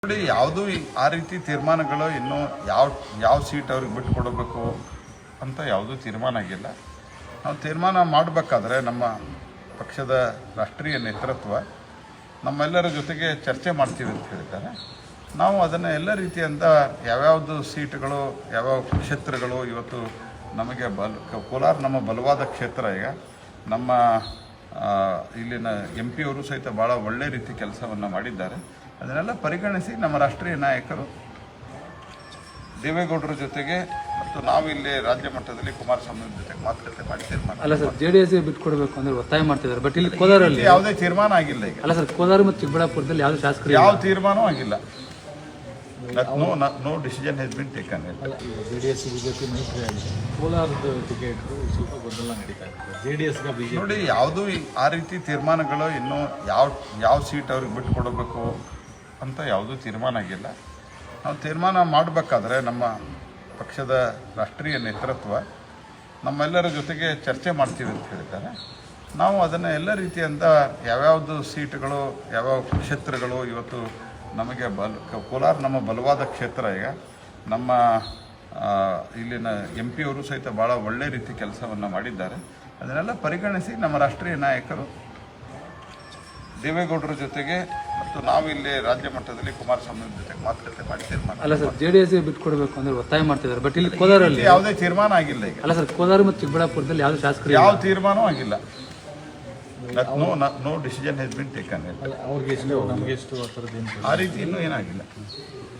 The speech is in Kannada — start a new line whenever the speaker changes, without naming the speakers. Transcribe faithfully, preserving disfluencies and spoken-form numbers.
ನೋಡಿ, ಯಾವುದೂ ಆ ರೀತಿ ತೀರ್ಮಾನಗಳು ಇನ್ನೂ ಯಾವ ಯಾವ ಸೀಟ್ ಅವ್ರಿಗೆ ಬಿಟ್ಟು ಕೊಡಬೇಕು ಅಂತ ಯಾವುದೂ ತೀರ್ಮಾನ ಆಗಿಲ್ಲ. ನಾವು ತೀರ್ಮಾನ ಮಾಡಬೇಕಾದ್ರೆ ನಮ್ಮ ಪಕ್ಷದ ರಾಷ್ಟ್ರೀಯ ನೇತೃತ್ವ ನಮ್ಮೆಲ್ಲರ ಜೊತೆಗೆ ಚರ್ಚೆ ಮಾಡ್ತೀವಿ ಅಂತ ಹೇಳಿದ್ದಾರೆ. ನಾವು ಅದನ್ನು ಎಲ್ಲ ರೀತಿಯಿಂದ ಯಾವ್ಯಾವುದು ಸೀಟ್ಗಳು ಯಾವ್ಯಾವ ಕ್ಷೇತ್ರಗಳು ಇವತ್ತು ನಮಗೆ ಬಲ ಕೋಲಾರ ನಮ್ಮ ಬಲವಾದ ಕ್ಷೇತ್ರ. ಈಗ ನಮ್ಮ ಇಲ್ಲಿನ ಎಂ ಪಿ ಅವರು ಸಹಿತ ಭಾಳ ಒಳ್ಳೆ ರೀತಿ ಕೆಲಸವನ್ನು ಮಾಡಿದ್ದಾರೆ. ಅದನ್ನೆಲ್ಲ ಪರಿಗಣಿಸಿ ನಮ್ಮ ರಾಷ್ಟ್ರೀಯ ನಾಯಕರು ದೇವೇಗೌಡರ ಜೊತೆಗೆ ಮತ್ತು ನಾವು ಇಲ್ಲಿ ರಾಜ್ಯ ಮಟ್ಟದಲ್ಲಿ ಕುಮಾರಸ್ವಾಮಿ ಜೊತೆಗೆ ಮಾತುಕತೆ ಮಾಡಿ ತೀರ್ಮಾನ.
ಅಲ್ಲ ಸರ್, ಜೆಡಿಎಸ್ ಬಿಟ್ಟು ಕೊಡಬೇಕು ಅಂದ್ರೆ ಒತ್ತಾಯ ಮಾಡ್ತಿದ್ದಾರೆ. ಬಟ್ ಇಲ್ಲಿ ಕೋಲಾರಲ್ಲಿ
ಯಾವುದೇ ತೀರ್ಮಾನ ಆಗಿಲ್ಲ. ಈಗ
ಅಲ್ಲ ಸರ್, ಕೋಲಾರ ಮತ್ತು ಚಿಕ್ಕಬಳ್ಳಾಪುರದಲ್ಲಿ ಯಾವ್ದು ಶಾಸಕರು
ಯಾವ ತೀರ್ಮಾನವೂ ಆಗಿಲ್ಲ. No no decision has been taken.
JDS BJP ಮೈತ್ರಿ ಆಗಿದೆ. ಕೋಲಾರದ ಟಿಕೆಟ್ ಸ್ವಲ್ಪ ಗೊಂದಲ ನಡೀತಾ ಇದೆ. ಜೆಡಿಎಸ್ಗೆ ಬಿಜೆಪಿ
ನೋಡಿ, ಯಾವುದೂ ಆ ರೀತಿ ತೀರ್ಮಾನಗಳು ಇನ್ನೂ ಯಾವ ಯಾವ ಸೀಟ್ ಅವ್ರಿಗೆ ಬಿಟ್ಟು ಕೊಡಬೇಕು ಅಂತ ಯಾವುದೂ ತೀರ್ಮಾನ ಆಗಿಲ್ಲ. ನಾವು ತೀರ್ಮಾನ ಮಾಡಬೇಕಾದ್ರೆ ನಮ್ಮ ಪಕ್ಷದ ರಾಷ್ಟ್ರೀಯ ನೇತೃತ್ವ ನಮ್ಮೆಲ್ಲರ ಜೊತೆಗೆ ಚರ್ಚೆ ಮಾಡ್ತೀವಿ ಅಂತ ಹೇಳಿದ್ದಾರೆ. ನಾವು ಅದನ್ನು ಎಲ್ಲ ರೀತಿಯಿಂದ ಯಾವ್ಯಾವುದು ಸೀಟ್ಗಳು ಯಾವ್ಯಾವ ಕ್ಷೇತ್ರಗಳು ಇವತ್ತು ನಮಗೆ ಬಲ ಕೋಲಾರ ನಮ್ಮ ಬಲವಾದ ಕ್ಷೇತ್ರ. ಈಗ ನಮ್ಮ ಇಲ್ಲಿನ ಎಂ ಪಿ ಅವರು ಸಹಿತ ಭಾಳ ಒಳ್ಳೆ ರೀತಿ ಕೆಲಸವನ್ನು ಮಾಡಿದ್ದಾರೆ. ಅದನ್ನೆಲ್ಲ ಪರಿಗಣಿಸಿ ನಮ್ಮ ರಾಷ್ಟ್ರೀಯ ನಾಯಕರು ದೇವೇಗೌಡರ ಜೊತೆಗೆ ಮತ್ತು ನಾವು ಇಲ್ಲಿ ರಾಜ್ಯ ಮಟ್ಟದಲ್ಲಿ ಕುಮಾರಸ್ವಾಮಿ ಜೊತೆಗೆ ಮಾತುಕತೆ ಮಾಡಿ ತೀರ್ಮಾನ.
ಅಲ್ಲ ಸರ್, ಜೆಡಿಎಸ್ ಬಿಟ್ಟು ಕೊಡಬೇಕು ಅಂದ್ರೆ ಒತ್ತಾಯ ಮಾಡ್ತಿದ್ದಾರೆ. ಬಟ್ ಇಲ್ಲಿ ಕೋಲಾರಲ್ಲಿ
ಯಾವುದೇ ತೀರ್ಮಾನ ಆಗಿಲ್ಲ. ಈಗ
ಅಲ್ಲ ಸರ್, ಕೋಲಾರ ಮತ್ತು ಚಿಕ್ಕಬಳ್ಳಾಪುರದಲ್ಲಿ ಯಾವ್ದು ಶಾಸಕರು
ಯಾವ ತೀರ್ಮಾನವೂ ಆಗಿಲ್ಲ. No no decision has been taken.
ಅವ್ರಿಗೆ ಎಷ್ಟು ನಮಗೆ ಎಷ್ಟು ಆ ಥರದ್ದು ಏನು
ಆ ರೀತಿ ಇನ್ನೂ ಏನಾಗಿಲ್ಲ.